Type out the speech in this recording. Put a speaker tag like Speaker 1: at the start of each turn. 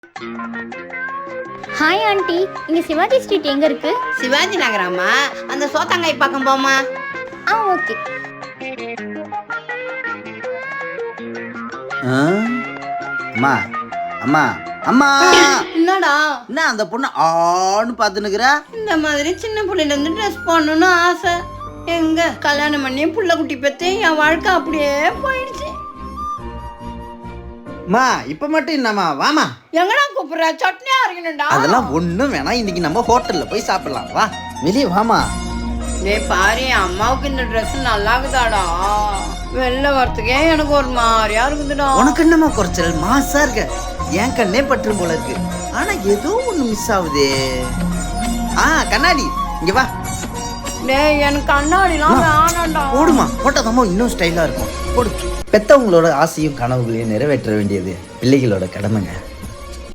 Speaker 1: Hi aunty, இங்க Sivaji street எங்க இருக்கு?
Speaker 2: சிவாஜி நகராமா? அந்த சோத்தாங்காய் பக்கம் போமா.
Speaker 1: ஓகே.
Speaker 3: அம்மா அம்மா அம்மா,
Speaker 2: என்னடா
Speaker 3: என்ன அந்த பொண்ணு ஆன்னு பார்த்துனுக்குற?
Speaker 2: இந்த மாதிரி சின்ன புள்ளையில இருந்து ட்ரெஸ் பண்ணணும்னு ஆசை. எங்க கல்யாணம் பண்ணி புள்ள குட்டி பெற்று என் வாழ்க்கை அப்படியே போயிடுச்சு.
Speaker 3: அம்மா இப்ப மட்டும் என்னம்மா, வாமா.
Speaker 2: எங்கடா கூப்பிடுற? சட்னியா இருக்கணும்டா.
Speaker 3: அதெல்லாம் ஒண்ணும் வேணாம், இன்னைக்கு நம்ம ஹோட்டல்ல போய் சாப்பிடலாம். வா வெளியே வாமா.
Speaker 2: டேய் பாரு, என் அம்மாவுக்கு இந்த ட்ரெஸ் நல்லா இருக்குதாடா. வெளில வரத்துக்கே எனக்கு ஒரு மாதிரியா இருக்குதுடா.
Speaker 3: உனக்கு என்னம்மா குறைச்சல்? மாசா இருக்க, என் கண்ணே பற்றும் போல இருக்கு. ஆனா ஏதோ ஒண்ணு மிஸ் ஆகுதே. கண்ணாடி இங்க வா.
Speaker 2: டேய் எனக்கு கண்ணாடிலாம் வேணாம்டா.
Speaker 3: போடுமா, போட்டதாம்மா இன்னும் ஸ்டைலா இருக்கும். போடு. பெத்தவங்களோட ஆசையும் கனவுகளையும் நிறைவேற்ற வேண்டியது பிள்ளைகளோட கடமைங்க.